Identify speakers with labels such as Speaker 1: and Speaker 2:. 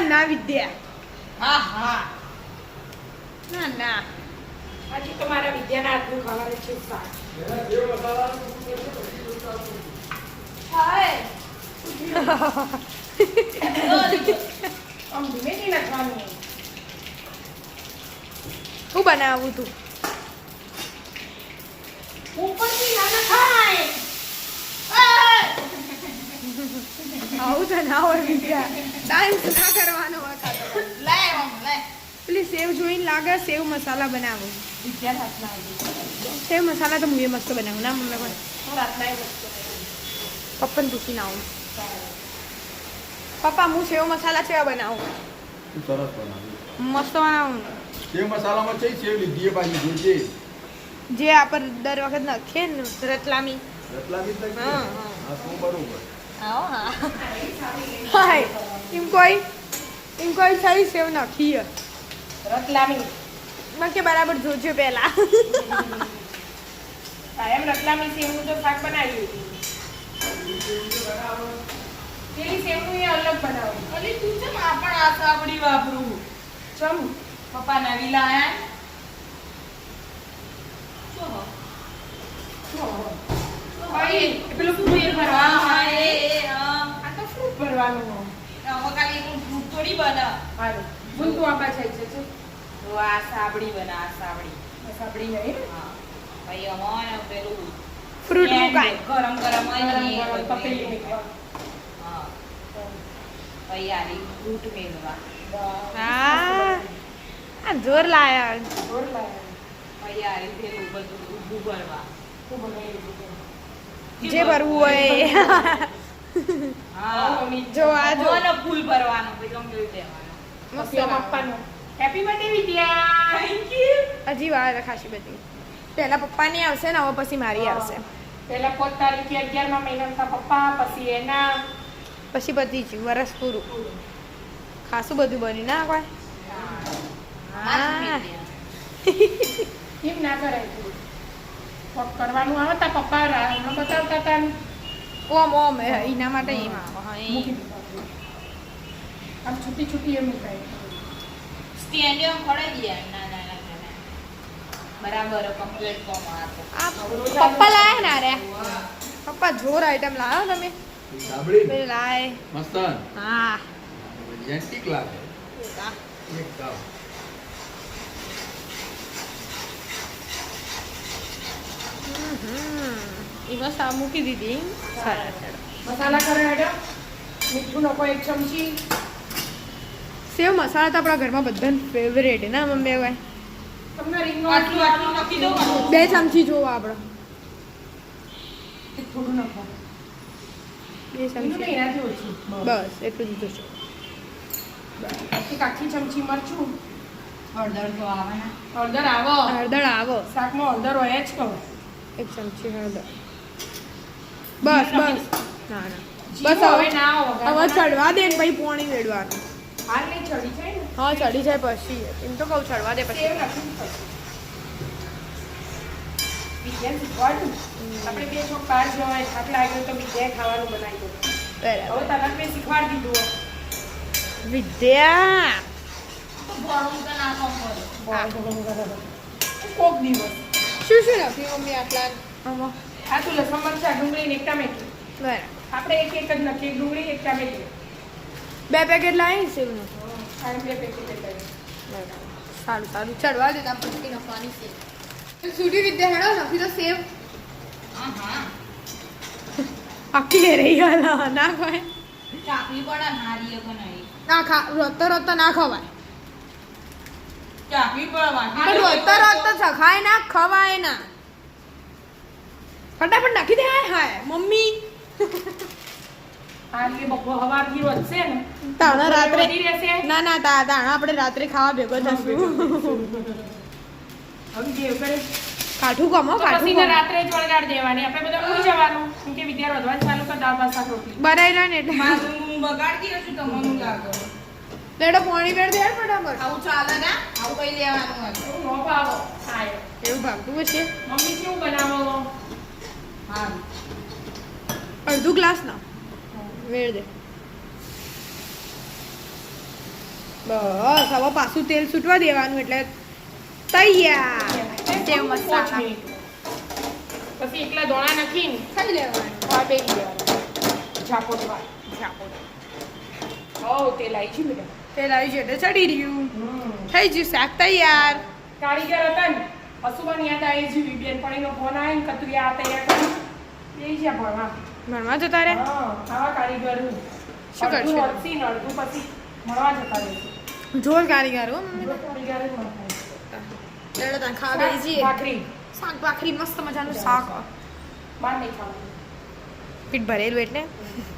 Speaker 1: ના વિદ્યા.
Speaker 2: હા હા
Speaker 1: ના ના
Speaker 2: આજે તો મારા વિદ્યાના હાથનું ખાવાનું છે શાક. હાય આમ ધીમે થી નાખવાનું.
Speaker 1: શું બનાવું તું?
Speaker 2: ઉપરથી ના નખાય.
Speaker 1: આવું તો ના હોય વિદ્યા. ડાન્સ ના કરવાનો હોય કાં તો.
Speaker 2: લે આમ લે
Speaker 1: પેલી સેવ જોઈને લાગે સેવ મસાલા બનાવું.
Speaker 2: વિદ્યા હાથના આવી
Speaker 1: સેવ મસાલા તો હું એ મસ્ત બનાવું ના મમ્મી પણ
Speaker 2: રાતના મસ્ત
Speaker 1: પપ્પાને પૂછીને આવું. પપ્પા હું સેવ મસાલા કેવા બનાવું?
Speaker 3: સરસ બનાવ્યું.
Speaker 1: મસ્ત બનાવું.
Speaker 3: સેવ મસાલામાં છે સેવ લીધી પાછી જોજે.
Speaker 1: જે આપણે દર વખત નાખીએ ને રતલામી.
Speaker 3: રતલામી જ નાખી.
Speaker 1: હા,
Speaker 3: હા તો બરોબર.
Speaker 1: આવો હા હાય એમ કોઈ સારી સેવ નાખીએ
Speaker 2: રતલામી
Speaker 1: માં કે બરાબર જોજો પહેલા.
Speaker 2: કાયમ રતલામી સેવનું તો શાક બનાવ્યું. પેલી સેવનું એ અલગ બનાવ્યું.
Speaker 4: અલી તું ચમ આપણ આ સાબડી વાપરું
Speaker 2: ચમ
Speaker 4: પપ્પા નવી લાયા શું હો
Speaker 2: ભાઈ પેલું
Speaker 4: શું ફેર ભરવાનું હા એ
Speaker 2: આ તો ફ્રૂટ ભરવાનું હોય.
Speaker 4: હવે કાલે હું ફ્રૂટ થોડી બના
Speaker 2: હારું બુંદુ આપા છે છે
Speaker 4: તો આ સાબડી બના આ સાબડી
Speaker 2: સાબડી નહીં
Speaker 4: હા ભાઈ અમારે પેલું
Speaker 1: ફ્રૂટ
Speaker 4: કેન
Speaker 1: મુકાય
Speaker 4: ગરમ ગરમ હોય ને એ
Speaker 2: ગરમ
Speaker 4: બધું
Speaker 2: તપેલી મૂકવા.
Speaker 4: હા ભાઈ આરી ફ્રૂટ મેળવા
Speaker 1: હા આ જોર લાયા.
Speaker 2: જોર લાયા.
Speaker 4: ભાઈ આરી પેલું બધું ઊભું ભરવા
Speaker 2: ખૂબ બનાવી દીધું.
Speaker 1: જે ભરવું હોય
Speaker 4: હા
Speaker 1: જો આ જો
Speaker 4: જોવાનો ફૂલ ભરવાનું પછી જોઈ દેવાનું
Speaker 1: મસ્ત
Speaker 2: પછી આમ આપવાનું. Happy birthday Vidya.
Speaker 4: Thank you
Speaker 1: હજી વાર ખાસી બધી. પહેલા પપ્પાની આવશે ને હવે પછી મારી આવશે.
Speaker 2: પહેલા 5 તારીખે 11મા મહિનામાં પપ્પા પછી એના
Speaker 1: પછી બધી જ વરસ પૂરું ખાસું બધું બન્યું ના કોઈ. હા.
Speaker 2: કેમ ના કરાય તું? કોક કરવાનું આવે તા પપ્પા રાહ બતાવતા તા ને
Speaker 1: ઓમ ઓમ એના માટે એમ આવે હા એ
Speaker 2: મૂકી દીધા. આમ છૂટી છૂટી એમ મુકાય.
Speaker 4: સ્ટેન્ડિયમ ખડાઈ દે ના ના ના ના બરાબર કમ્પ્લીટ કોમ આતો
Speaker 1: આ પપ્પા લાયા ના રે પપ્પા જોર આઈટમ લાવ્યો તમે
Speaker 3: સાંભળી
Speaker 1: પેલી લાય
Speaker 3: મસ્તન
Speaker 1: હા
Speaker 3: એન્ટિક લાગે એક કામ
Speaker 1: એમાં સા મૂકી દીધી સરસ
Speaker 2: મસાલા કરે હેડો. મીઠું નાખો 1 ચમચી.
Speaker 1: સેવ મસાલા તો આપણા ઘરમાં બધાને ફેવરેટ ના મમ્મી ભાઈ.
Speaker 2: તમને રીંગણું
Speaker 4: આટલું આટલું નાખી દો
Speaker 1: 2 ચમચી જોવો આપણે
Speaker 2: થોડું નાખો.
Speaker 1: 2
Speaker 2: રીંગણું
Speaker 1: ચમચી
Speaker 2: નહીં, એનાથી ઓછું.
Speaker 1: બસ એટલું જ જોશે.
Speaker 2: એક આખી ચમચી મરચું.
Speaker 4: હળદર તો આવવાના
Speaker 2: હળદર આવો.
Speaker 1: હળદર આવો
Speaker 2: શાકમાં હળદર હોય જ કહો.
Speaker 1: 1 ચમચી હળદર બસ બસ ના ના બસ
Speaker 2: જીરું
Speaker 1: હવે
Speaker 2: ના આવો.
Speaker 1: હવે ચડવા દે ને પછી પોણી વેડવાનું.
Speaker 2: હાલ નહીં ચડી જાય ને.
Speaker 1: હા ચડી જાય પછી એમ તો કહું ચડવા દે પછી
Speaker 2: સેવ નાખી દીધું. વિદ્યાને શીખવાડ્યું. આપણે 2 છોક બહાર જવાય થાક લાગ્યો તો વિદ્યાએ ખાવાનું બનાવી દો.
Speaker 1: બરાબર
Speaker 2: હવે તને મેં શીખવાડી દીધું.
Speaker 1: વિદ્યા
Speaker 4: તો ભણવું તો ના કોમ
Speaker 2: કોક દિવસ
Speaker 1: શું શું નાખ્યું મમ્મી આટલા આમાં
Speaker 2: આ તું લસણ મરચા ડુંગળી ને એક ટામેટું.
Speaker 1: બરાબર
Speaker 2: આપણે એક એક જ નાખીએ. એક ડુંગળી એક ટામેટું.
Speaker 1: 2 પેકેટ લાવી સેવનું
Speaker 2: આ 2 પેકેટ લઈ.
Speaker 1: સારું સારું ચડવા દે ત્યાં પછી નાખવાની સેવ સુડી વિદ્યા હેડો નાખી તો સેવ
Speaker 4: હા હા
Speaker 1: આખી રહી ગયા ના કોઈ
Speaker 4: ચાકરી પડે નારીએ બનાવી
Speaker 1: ના ખા રોતો ના ખવાય
Speaker 4: ચાકરી પડે
Speaker 1: પણ રોતો ચખાય ના ખવાય ના ફટાફટ નાખી દે હાય મમ્મી
Speaker 2: આ એટલે બપોર હવારથી વધશે ને
Speaker 1: તાણા રાત્રે
Speaker 2: વધી રહેશે.
Speaker 1: ના ના તાણા આપણે રાત્રે ખાવા ભેગો થશું
Speaker 2: હવે જે કરે
Speaker 1: કાઠું કમો
Speaker 2: તો
Speaker 1: કાઠું
Speaker 2: પછી
Speaker 1: કમો
Speaker 2: રાત્રે જ વળગાડ દેવાની. આપણે બધા ઊંઘી જવાનું. કેમ કે વિદ્યા વધવાનું ચાલુ કર દાળ ભાત શાક રોટલી.
Speaker 1: બનાવેલા ને એટલે
Speaker 4: મારું હું બગાડતી હશું તમને લાગે
Speaker 1: લેડો પાણી વેડ દે ફટાફટ
Speaker 4: આવું ચાલે ના આવું કઈ લેવાનું હોય
Speaker 2: એવું ન ભાવો. ખાય.
Speaker 1: એવું ભાગતું હશે
Speaker 2: મમ્મી કેવું બનાવો?
Speaker 4: હા
Speaker 1: અડધું ગ્લાસ ના વેડ દે બસ હવે પાછું તેલ છૂટવા દેવાનું એટલે તૈયાર સેવ
Speaker 2: પાંચ
Speaker 1: મસાલા
Speaker 2: મિનિટ. પછી એકલા દોણા નાખીને
Speaker 1: ખાઈ લેવાનું
Speaker 2: આ બેસી દેવાનું ઝાપોટમાં તેલ આવી છે બેટા
Speaker 1: તેલ આવી છે એટલે ચડી રહ્યું
Speaker 2: હમ.
Speaker 1: થઈ ગયું શાક તૈયાર
Speaker 2: કારીગર હતા ને અસુબન યાદ આવી છે બેનપણીનો ફોન આવ્યો ને કતું આ તૈયાર કરી એ છે ભણવા
Speaker 1: ભણવા જતા રે
Speaker 2: હા આવા કારીગર
Speaker 1: શું કરશે?
Speaker 2: અડધું અડધું પછી મળવા જતા રહેશે
Speaker 1: જોર કારીગર હો મમ્મી
Speaker 2: કારીગર જ મળતા
Speaker 1: લેડો તને ખાવા બેસી જઈએ
Speaker 2: ભાખરી
Speaker 1: શાક ભાખરી મસ્ત મજાનું શાક
Speaker 2: બહાર નહીં ખાવાનું
Speaker 1: પીઠ ભરેલું એટલે